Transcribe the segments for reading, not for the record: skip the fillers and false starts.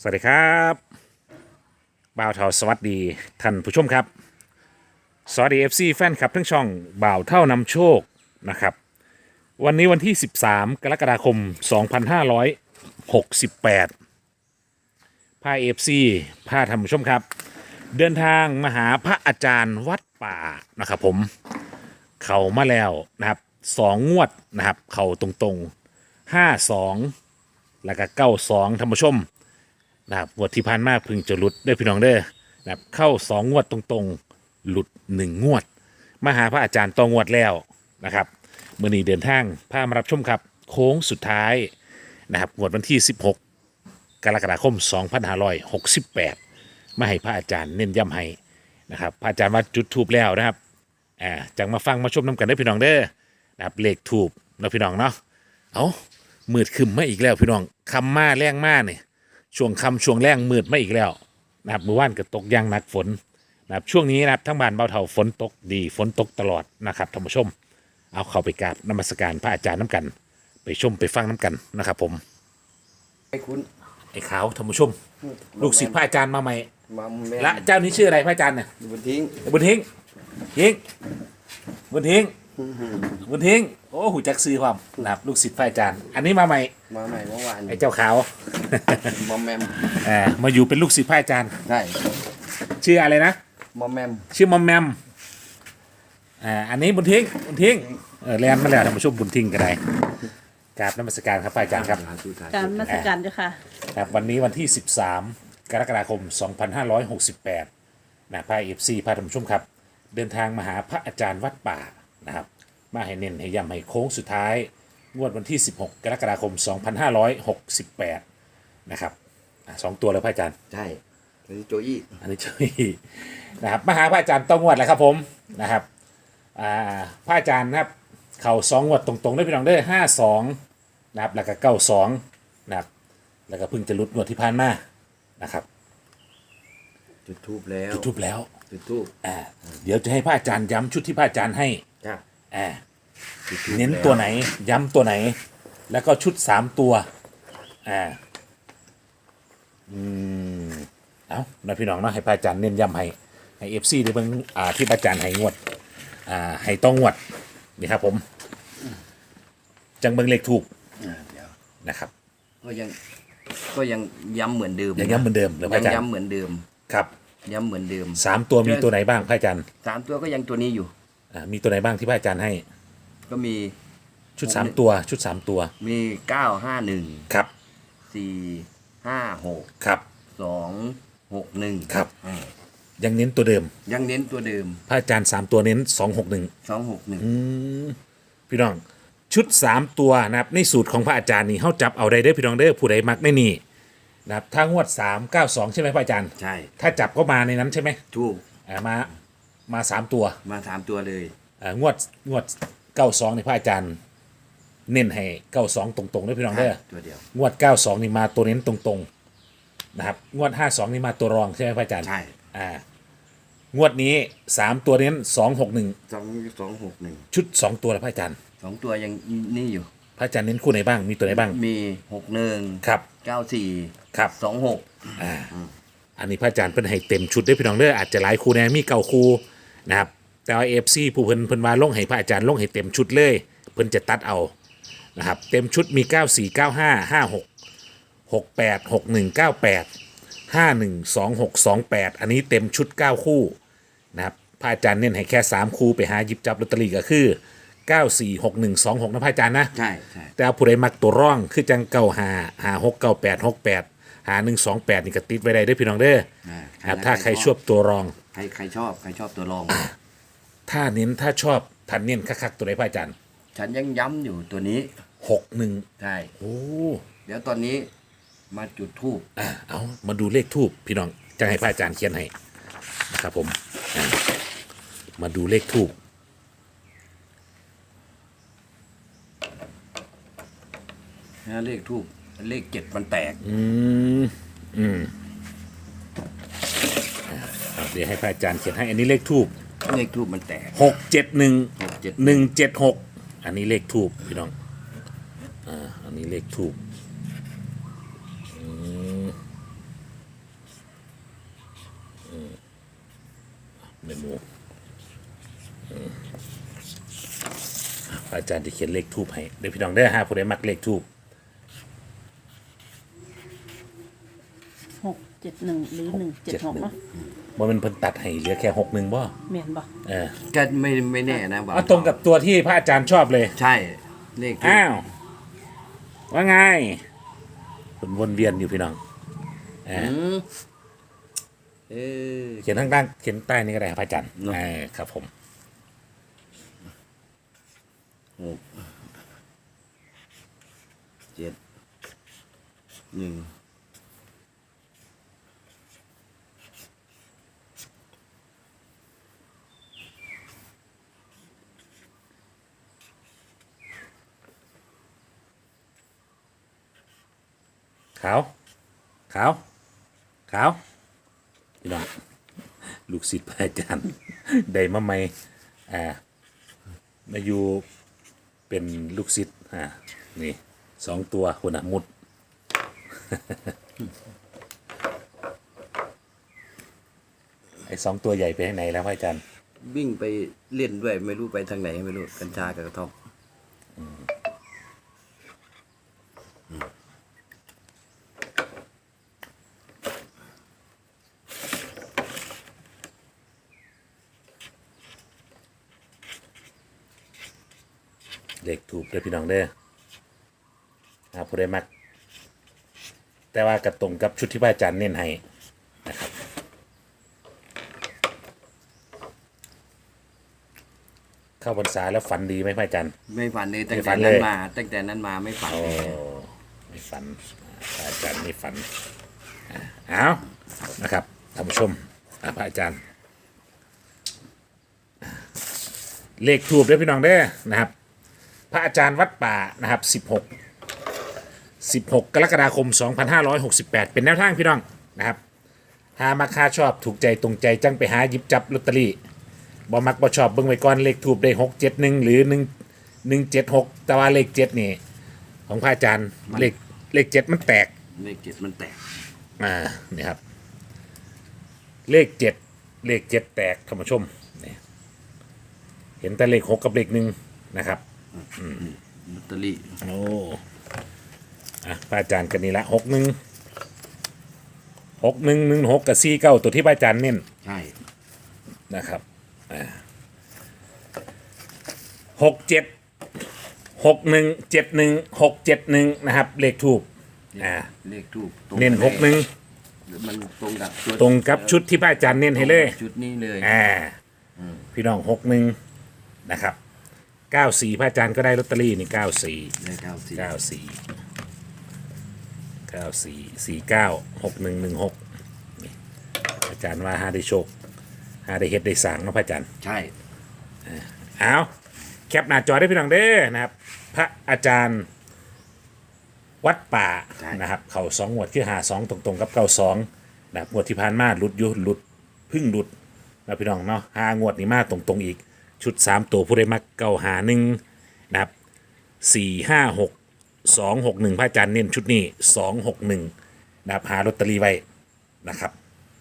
สวัสดีครับบ่าวเท่าสวัสดีท่านผู้ชมครับสวัสดีFCแฟนคลับทั้งช่องบ่าวเท่านำโชคนะครับวันนี้วันที่13กรกฎาคม2568พา FC พาท่านผู้ชมครับเดินทางมาหาพระอาจารย์วัดป่านะครับผมเข้ามาแล้วนะครับ2 งวดนะครับเข้าตรงๆ52แล้วก็92ท่านผู้ชมนะครับงวดที่ผ่านมาเพึ่งจะหลุดได้อพี่น้องเด้อนะครับเข้า2 งวดตรงๆหลุด1 งวดมาหาพระอาจารย์ต่องวดแล้วนะครับมื้อนี้เดินทางพามารับชมครับโค้งสุดท้ายนะครับงวดวันที่16กรกฎาคม2568มาให้พระอาจารย์เน้นย้ำให้นะครับพระอาจารย์ว่าจุดทูบแล้วนะครับจังมาฟังมาชมน้ำกันได้อพี่น้องเด้อนะครับเลขทูบนะพี่น้องเนาะเอามืดขึ้นมาอีกแล้วพี่น้องคำมาแรงมาเนี่ยช่วงคำช่วงแรงมืดมาอีกแล้วนะครับเมื่อวานก็ตกอย่างหนักฝนนะครับช่วงนี้นะครับทั้งบ้านเบาเท่าฝนตกดีฝนตกตลอดนะครับท่านผู้ชมเอาเข้าไปกราบนมัสการพระอาจารย์น้ำกันไปชมไปฟังน้ำกันนะครับผมไอ้คุณไอ้ขาวท่านผู้ชมลูกศิษย์พระอาจารย์มาใหม่มาแม่และเจ้านี้ชื่ออะไรพระอาจารย์เนี่ยบนทิ้งบุญทิ้งยิงบุญทิ้งบุญทิ้งโอ้หูจักซื้อความนะครับลูกศิษย์พระอาจารย์อันนี้มาใหม่มาใหม่เมื่อวานไอ้เจ้าขาวมอมแมมมาอยู่เป็นลูกศิษย์พระอาจารย์ใช่ชื่ออะไรนะมอมแมมชื่อมอมแมมอันนี้บุญทิ้งบุญทิ้งเรียนมาแล้วท่านผู้ชมบุญทิ้งกันได้กราบนมัสการครับพระอาจารย์ครับการนมัสการเจ้าค่ะครับวันนี้วันที่ 13 กรกฎาคม 2568นะพระเอฟซีพาท่านผู้ชมครับ เดินทางมาหาพระอาจารย์วัดป่านะครับมาให้เน้นให้ย้ำให้โค้งสุดท้ายงวดวันที่ 16 กรกฎาคม 2568นะครับ2 ตัวเลยพระอาจารย์ใช่อันนี้โจอี้อันนี้ช่วยนะครับมาหาพระอาจารย์ต้องงวดแล้วครับผมนะครับพระอาจารย์นะครับเข่า2 งวดตรงๆได้พี่น้องได้52นะครับแล้วก็92นะครับแล้วก็เพิ่งจะหลุดงวดที่ผ่านมานะครับจุดทูบแล้วจุดทูบแล้วจุดทูบเดี๋ยวจะให้พระอาจารย์ย้ำชุดที่พระอาจารย์ให้จ้ะอ่าจุดธูปเน้นแล้วตัวไหนย้ำตัวไหน แล้วก็ชุด3 ตัวเอานะพี่น้องเนาะให้พระอาจารย์เน้นย้ำให้เอฟซีได้เบิ่งที่พระอาจารย์ให้งวดให้ต้องงวดนี่ครับผมจังเบิ่งเลขถูกเดี๋ยวนะครับก็ยังย้ำเหมือนเดิมยังย้ำเหมือนเดิมเลยพระยังอาจารย์ย้ำเหมือนเดิมครับย้ำเหมือนเดิม 3 ตัวมีตัวไหนบ้างพระอาจารย์ 3 ตัวก็ยังตัวนี้อยู่มีตัวไหนบ้างที่พระอาจารย์ให้ก็มีชุด3 ตัวชุด3 ตัวมี951 ครับ 456 ครับ 261 ครับ ยังเน้นตัวเดิมยังเน้นตัวเดิมพระอาจารย์3 ตัวเน้น261 261 พี่น้องชุด3 ตัวนะครับในสูตรของพระอาจารย์นี่เขาจับเอาได้เด้อพี่น้องเด้อผู้ใดมักในนี่นะครับถ้างวด392ใช่ไหมพระอาจารย์ใช่ถ้าจับก็มาในนั้นใช่ไหมถูกมา3 ตัวมา3 ตัวเลยงวด92นี่พระอาจารย์ เน้นให้92ตรงๆเด้อพี่น้องเด้อตัวเดียวงวด92นี่มาตัวเน้นตรงๆนะครับงวด52นี่มาตัวรองใช่ไหมพระอาจารย์ใช่งวดนี้3 ตัวเน้น261 261 ชุด2 ตัวแล้วพระอาจารย์ 2 ตัวยังนี่อยู่พระอาจารย์เน้นคู่ไหนบ้างมีตัวไหนบ้างมี61 ครับ 94 ครับ 26 อันนี้พระอาจารย์เพิ่นให้เต็มชุดได้อพี่น้องเด้ออาจจะหลายคู่แน่มี9 คู่นะครับแต่ว่า FC ผู้เพิ่นว่าลงให้พระอาจารย์ลงให้เต็มชุดเลยเพิ่นจะตัดเอานะครับเต็มชุดมี94 95 56 68 61 98 51 26 28อันนี้เต็มชุด9 คู่นะครับพระอาจารย์เน้นให้แค่3 คู่ไปหาหยิบจับลอตเตอรี่ก็คือ94 61 26นะพระอาจารย์นะใช่ใช่แต่ผู้ใดมักตัวร่องคือจัง95 56 98 68 5128นี่ก็ติดไว้ได้เด้อพี่น้องเด้อครับถ้าใครชอบตัวรองใครชอบตัวรองถ้าเน้นถ้าชอบทันเน้นคักๆตัวไหนพระอาจารย์ฉันยังย้ำอยู่ตัวนี้ 61 ใช่โอ้เดี๋ยวตอนนี้มาจุดทูบเอามาดูเลขทูบพี่น้องจะให้พระอาจารย์เขียนให้นะครับผมมาดูเลขทูบนะเลขทูบเลข7มันแตกเดี๋ยวให้พระอาจารย์เขียนให้อันนี้เลขทูบเลขทูบมันแตก 671 176อันนี้เลขทูบพี่น้องอันนี้เลขทูบอาจารย์จะเขียนเลขทูบให้เดี๋ยวพี่น้องได้ฮะผู้ใดมักเลขทูบ 671หรือ176เนาะว่ามันเพิ่นตัดให้เหลือแค่61บ่แม่นบ่เออก็ไม่แน่นะบ่าวเอาตรงกับตัวที่พระอาจารย์ชอบเลยใช่เลขทูปอ้าว ว่าไงคนวนเวียนอยู่พี่น้องอืมเออเขียนข้างล่างเขียนใต้นี่ก็ได้ครับพระอาจารย์เนอะครับผม 7 1 ขาว ขาว ขาวพี่น้องลูกศิษย์พระอาจารย์ ได้มาใหม่มาอยู่เป็นลูกศิษย์นี่2 ตัวคนมุด ไอ้2 ตัวใหญ่ไปไหนแล้วพระอาจารย์วิ่งไปเล่นด้วยไม่รู้ไปทางไหนไม่รู้กัญชากับกระท่อมเด็กถูกเด้อพี่น้องเด้อผู้ใดมัก แต่ว่ากระตรงกับชุดที่พระอาจารย์เน้นให้นะครับเข้าพรรษาแล้วฝันดีไหมพระอาจารย์ไม่ฝันเลยตั้งไม่ฝัแต่นเลนั้นยมาตั้งแต่นั้นมาไม่ฝันโอ้เลยไม่ฝันพระอาจารย์ไม่ฝันเอานะครับท่านผู้ชมพระอาจารย์ เลขถูกด้วยพี่น้องเด้อนะครับ พระอาจารย์วัดป่านะครับ16 กรกฎาคม 2568 เป็นแนวทางพี่น้องนะครับหามาค่าชอบถูกใจตรงใจจังไปหาหยิบจับลอตเตอรี่บ่มักบ่ชอบเบิ่งไว้ก่อนเลขถูกได้671หรือ176แต่ว่าเลข7นี่ของพระอาจารย์เลข7มันแตกเลข7มันแตกนี่ครับเลข7แตกท่านผู้ชมนี่เห็นแต่เลข6กับเลข1นะครับลอตเตอรี่โอ้พระอาจารย์กันนี่ละ6116กับ49ตัวที่พระอาจารย์เน้นใช่นะครับ676171นะครับเลขทูบเลขทูปเน้น61 มันตรงกับชุดตรงกับชุดที่พระอาจารย์เน้นให้เลยชุดนี้เลยพี่น้อง61นะครับ94พระอาจารย์ก็ได้ลอตเตอรี่นี่94 เลข94 94496116นี่อาจารย์ว่าหาได้โชคหาได้เฮ็ดได้สร้างเนาะพระอาจารย์ใช่เอาแคปหน้าจอได้พี่น้องเด้อนะครับพระอาจารย์วัดป่านะครับเข่า2 งวดคือ52ตรงๆกับ92นะครับงวดที่ผ่านมาหลุดอยู่หลุดพึ่งหลุดนะพี่น้องเนาะ5 งวดนี้มาตรงๆอีกชุด3 ตัวผู้ใดมัก951นะครับ456 261พระอาจารย์เน้นชุดนี้261นะครับหาลอตเตอรี่ไว้นะครับ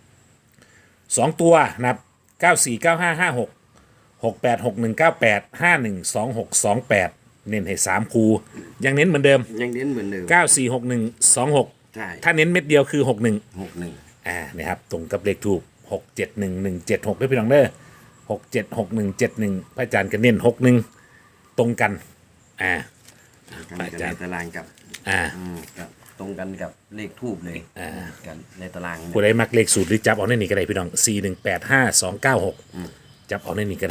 2 ตัวนะครับ949556 686198 512628เน้นให้3 คูยังเน้นเหมือนเดิมยังเน้นเหมือนเดิม 946126 ใช่ถ้าเน้นเม็ดเดียวคือ 61 61 นะครับตรงกับเลขทูบ671176ด้วยพี่น้องเด้อ676171พระอาจารย์ก็เน้น61ตรงกันกันในตารางกับกับตรงกันกับเลขทูบเลยกันในตารางผู้ใดมักเลขสูตรหรือจับเอาในนี้ก็ได้พี่น้อง4185296จับเอาในนี้ก็ได้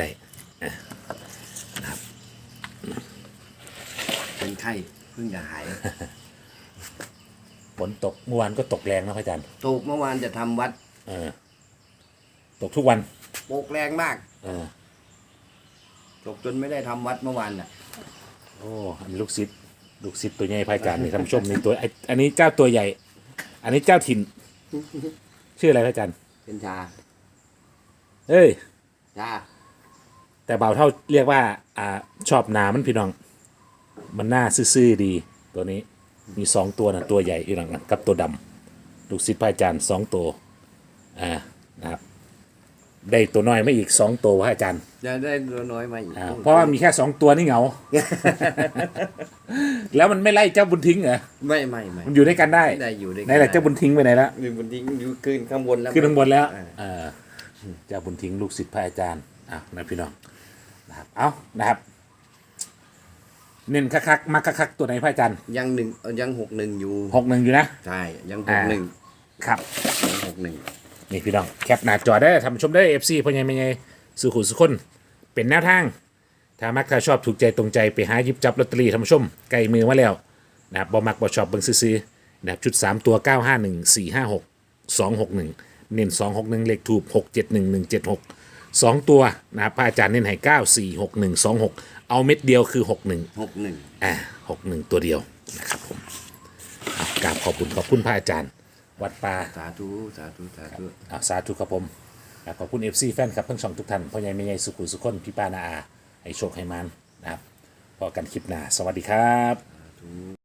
เป็นไข้เพิ่งจะหายฝนตกเมื่อวานก็ตกแรงนะพระอาจารย์ตกเมื่อวานจะทำวัดตกทุกวันตกแรงมากเออตกจนไม่ได้ทำวัดเมื่อวานน่ะโอ้อันนี้ลูกศิษย์ตัวใหญ่พระอาจารย์นี่ท่านผู้ชมนี่ตัวอันนี้เจ้าตัวใหญ่ อันนี้เจ้าถิ่น ชื่ออะไรพระอาจารย์เป็นชาเอ้ยชาแต่เบาเท่าเรียกว่าชอบหนามันพี่น้อง มันหน้าซื่อๆดี ตัวนี้มี2 ตัวนะตัวใหญ่พี่น้องกับตัวดำลูกศิษย์พระอาจารย์2 ตัวนะครับได้ตัวน้อยมาอีก2ตัวพระอาจารย์จะได้ตัวน้อยมาอีกเพราะว่ามีแค่2ตัวนี่เหงา แล้วมันไม่ไล่เจ้าบุญทิ้งเหรอไม่มันอยู่ด้วยกันได้ได้อยู่ด้วยกัไหนแหละเจ้าบุญทิ้งไปไหนละมีบุญทิ้งอยู่ขึ้นข้างบนแล้วขึ้นข้างบนแล้วอ่าเจ้าบุญทิ้งลูกศิษย์พระอาจารย์นะพี่น้องนะครับเอานะครับเน้นคักๆมาคักๆตัวไหนพระอาจารย์ยังยัง61อยู่ 61อยู่นะใช่ยังอ่า 61 ครับยัง61 นี่พี่น้องแคปหน้าจอได้ทำชมได้เอฟซีพ่อใหญ่แม่ใหญ่สุขุสุคนเป็นแนวทาง ถ้ามักถ้าชอบถูกใจตรงใจไปหาหยิบจับลอตเตอรี่ทำชมไกลมือมาแล้วนะครับบ่มักบ่ชอบเบิ่งซื้อๆนะครับชุด3ตัว951 456 261เน้น261เลขถูก671 176 2ตัวนะครับพระอาจารย์เน้นให้946126เอาเม็ดเดียวคือ61 61 61ตัวเดียวนะครับผมกราบขอบคุณพระอาจารย์วัดป่าสาธุสาธุสาธุสาธุครับผมขอบคุณ FC แฟนครับทั้งช่องทุกท่านพ่อใหญ่แม่ใหญ่สุขุสุขคนพี่ป้านาอาให้โชคให้มันนะครับพอกันคลิปหน้าสวัสดีครับ